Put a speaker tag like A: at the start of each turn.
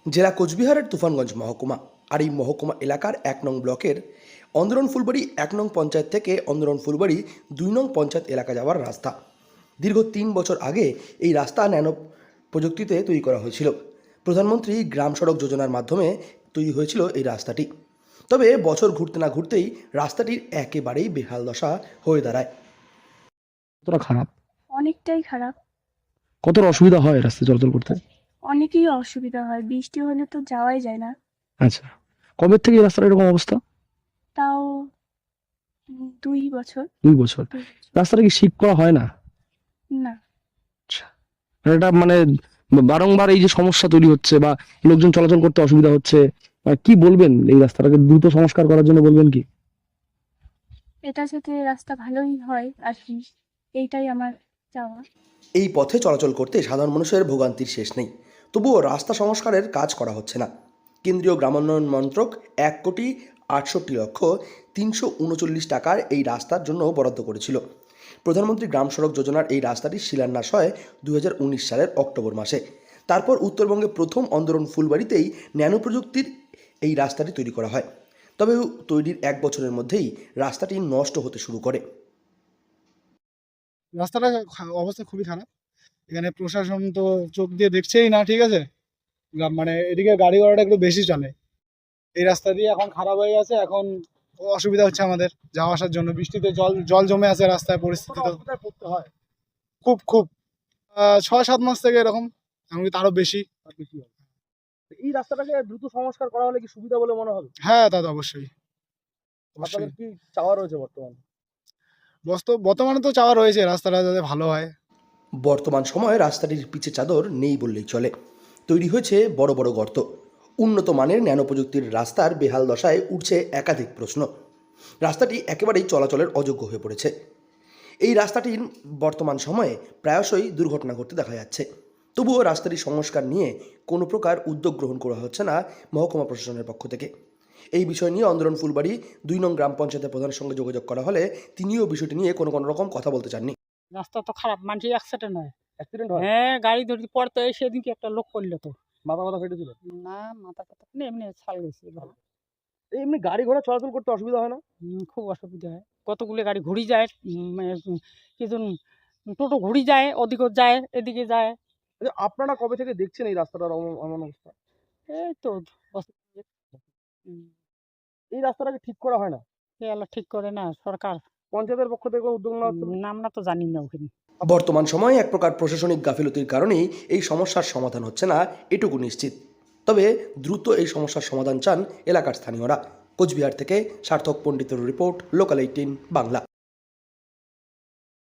A: জেলা কোচবিহারের তুফানগঞ্জ মহকুমা আর এই মহকুমা এলাকার ১ নং ব্লকের অন্দরন ফুলবাড়ি ১ নং পঞ্চায়েত থেকে অন্দরন ফুলবাড়ি ২ নং পঞ্চায়েত এলাকা যাওয়ার রাস্তা। দীর্ঘ ৩ বছর আগে এই রাস্তা ন্যানো প্রযুক্তিতে তৈরি করা হয়েছিল। প্রধানমন্ত্রী গ্রাম সড়ক যোজনার মাধ্যমে তৈরি হয়েছিল এই রাস্তাটি। তবে বছর ঘুরতে না ঘুরতেই রাস্তাটির একেবারেই বেহাল দশা হয়ে দাঁড়ায়।
B: কতটা খারাপ?
C: অনেকটাই খারাপ।
B: কতটা অসুবিধা হয় রাস্তায় চলাচল করতে?
C: অনেকই অসুবিধা হয়, বৃষ্টি হলে তো যাওয়াই যায় না।
B: আচ্ছা, কবে থেকে এই রাস্তার এরকম অবস্থা?
C: তাও ২ বছর।
B: 2 বছর। রাস্তাটা কি ঠিক করা হয় না?
C: না,
B: আচ্ছা, এটা মানে বারংবার এই যে সমস্যা তৈরি হচ্ছে বা লোকজন চলাচল করতে অসুবিধা হচ্ছে, কি বলবেন এই রাস্তাটাকে দ্রুত সংস্কার করার জন্য বলবেন কি?
C: এটা যাতে রাস্তা ভালোই হয় আর কি, এইটাই আমার চাওয়া।
A: এই পথে চলাচল করতে সাধারণ মানুষের ভোগান্তির শেষ নেই, তবুও রাস্তা সংস্কারের কাজ করা হচ্ছে না। কেন্দ্রীয় গ্রামোন্নয়ন মন্ত্রক ১,৬৮,৩৩৯ টাকার এই রাস্তার জন্য বরাদ্দ করেছিল। প্রধানমন্ত্রী গ্রাম সড়ক যোজনার এই রাস্তাটির শিলান্যাস হয় ২০১৯ সালের অক্টোবর মাসে। তারপর উত্তরবঙ্গে প্রথম অন্দরন ফুলবাড়িতেই ন্যানো প্রযুক্তির এই রাস্তাটি তৈরি করা হয়। তবে তৈরির ১ বছরের মধ্যেই রাস্তাটি নষ্ট হতে শুরু করে।
D: রাস্তাটা অবস্থা খুবই খারাপ। এখানে প্রশাসন তো চোখ দিয়ে দেখছেই না, ঠিক আছে। মানে এদিকে গাড়ি ঘোড়াটা একটু বেশি চলে। এই রাস্তা দিয়ে এখন খারাপ হয়ে গেছে, এখন অসুবিধা হচ্ছে আমাদের যাওয়া আসার জন্য। বৃষ্টিতে জল জল জমে আছে রাস্তায়, পরিস্থিতি তো পড়তে হয় খুব খুব ৬-৭ মাস থেকে এরকম, এমনকি তারও বেশি।
E: এই রাস্তাটাকে দ্রুত সংস্কার করা হলে কি সুবিধা বলে মনে হবে?
D: হ্যাঁ, তা তো অবশ্যই।
E: আপনাদের কি চাওয়া রয়েছে বর্তমানে?
D: বর্তমানে তো চাওয়া রয়েছে রাস্তাটা যাতে ভালো হয়।
A: বর্তমান সময়ে রাস্তাটির পিচে চাদর নেই বললেই চলে। তৈরি হয়েছে বড় বড় গর্ত। উন্নত মানের ন্যানো প্রযুক্তির রাস্তার বেহাল দশায় উঠছে একাধিক প্রশ্ন। রাস্তাটি একেবারেই চলাচলের অযোগ্য হয়ে পড়েছে। এই রাস্তাটির বর্তমান সময়ে প্রায়শই দুর্ঘটনা ঘটতে দেখা যাচ্ছে। তবুও রাস্তাটির সংস্কার নিয়ে কোনো প্রকার উদ্যোগ গ্রহণ করা হচ্ছে না মহকুমা প্রশাসনের পক্ষ থেকে। এই বিষয় নিয়ে অন্দরন ফুলবাড়ি ২ নং গ্রাম পঞ্চায়েতের প্রধানের সঙ্গে যোগাযোগ করা হলে তিনিও বিষয়টি নিয়ে কোনো রকম কথা বলতে চাননি।
F: রাস্তা তো খারাপ, মানুষের অ্যাক্সিডেন্ট হয়।
E: অ্যাক্সিডেন্ট হয়?
F: হ্যাঁ, গাড়ি ধরে পড়তো, এই সেদিনকে একটা লোক পড়লো তো।
E: মাথা মাথা ফেটেছিল?
F: না, মাথা টাথা না, এমনি ছাল গেছে ভালো।
E: এমনি গাড়ি ঘোড়া চলাচল করতে অসুবিধা হয় না?
F: খুব অসুবিধা হয়, কতগুলো গাড়ি ঘুরি যায়। কিছু টোটো ঘুরি যায়, ওদিকেও যায়, এদিকে যায়।
E: আচ্ছা, আপনারা কবে থেকে দেখছেন এই রাস্তাটার এমন অবস্থা?
F: এই তো
E: এই রাস্তাটাকে ঠিক করা হয় না?
F: এগুলো ঠিক করে না সরকার।
E: পঞ্চায়েতের পক্ষ থেকে কোনো উদ্যোগ নেওয়া হচ্ছে না?
F: নাম না তো জানি না ওখানে।
A: বর্তমান সময়ে এক প্রকার প্রশাসনিক গাফিলতির কারণেই এই সমস্যার সমাধান হচ্ছে না, এটুকু নিশ্চিত। তবে দ্রুত এই সমস্যার সমাধান চান এলাকার স্থানীয়রা। কোচবিহার থেকে সার্থক পণ্ডিতের রিপোর্ট, লোকাল 18 বাংলা।